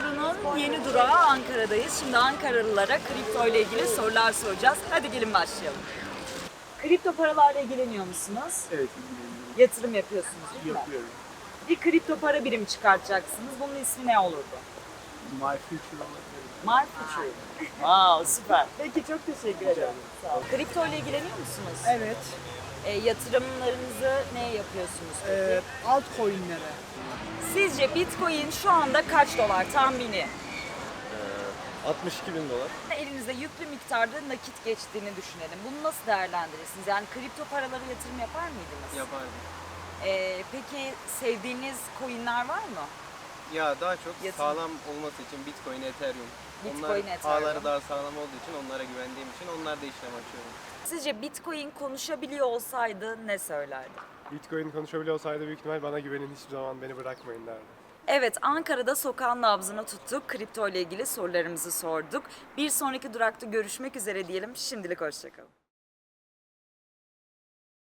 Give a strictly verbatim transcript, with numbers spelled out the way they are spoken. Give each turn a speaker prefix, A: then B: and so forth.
A: turunun yeni durağı Ankara'dayız. Şimdi Ankaralılara kripto ile ilgili sorular soracağız. Hadi gelin başlayalım. Kripto paralarla ilgileniyor musunuz?
B: Evet, ilgileniyorum.
A: Yatırım yapıyorsunuz değil mi?
B: Yapıyorum.
A: Bir kripto para birimi çıkartacaksınız. Bunun ismi ne olurdu?
B: My future olabilir.
A: My Future. Wow, süper. Peki çok teşekkür ederim. Sağ olun. Kripto ile ilgileniyor musunuz?
C: Evet.
A: E, yatırımlarınızı neye yapıyorsunuz peki?
C: Ee, altcoin'lere.
A: Sizce Bitcoin şu anda kaç dolar tahmini?
D: altmış iki bin dolar.
A: Elinizde yüklü miktarda nakit geçtiğini düşünelim. Bunu nasıl değerlendirirsiniz? Yani kripto paralara yatırım yapar mıydınız?
D: Yapardım.
A: Ee, peki sevdiğiniz coinler var mı?
D: Ya daha çok
A: Yatırım.
D: sağlam olması için Bitcoin, Ethereum.
A: Bitcoin,
D: Onlar
A: Ethereum.
D: ağları daha sağlam olduğu için onlara güvendiğim için onlarda işlem açıyorum.
A: Sizce Bitcoin konuşabiliyor olsaydı ne söylerdi?
E: Bitcoin konuşabiliyor olsaydı büyük ihtimal bana güvenin, hiçbir zaman beni bırakmayın derdi.
A: Evet, Ankara'da sokağın nabzını tuttuk. Kripto ile ilgili sorularımızı sorduk. Bir sonraki durakta görüşmek üzere diyelim. Şimdilik hoşçakalın.